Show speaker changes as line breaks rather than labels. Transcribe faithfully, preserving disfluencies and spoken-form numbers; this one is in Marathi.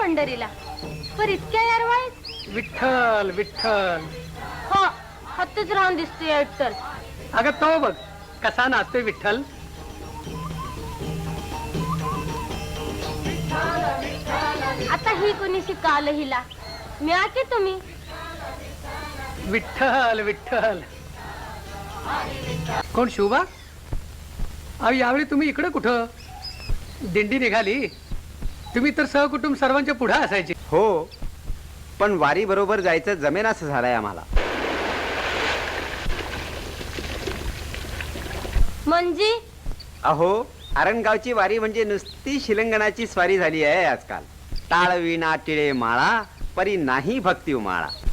पंढरीला, पर इतक्या यारवाळीत
विठ्ठल विठ्ठल.
हो हत्तीच राहून दिसतोय विठ्ठल.
अगं तो बघ कसा नाचतोय विठ्ठल.
आता ही कोणीशी काल हिला मिळा की तुम्ही.
विठ्ठल विठ्ठल. कोण शोभा? अहो यावेळी तुम्ही इकडे कुठं? दिंडी निघाली, तुम्ही तर सहकुटुंब सर्वांच्या पुढे असायचे.
हो, पण वारी बरोबर जायचं जमेन असं झालंय आम्हाला.
म्हणजे
अहो आरणगावची वारी म्हणजे नुसती शिलंगणाची स्वारी झाली आहे आजकाल. टाळ विणा टिळे माळा परी नाही भक्ती माळा.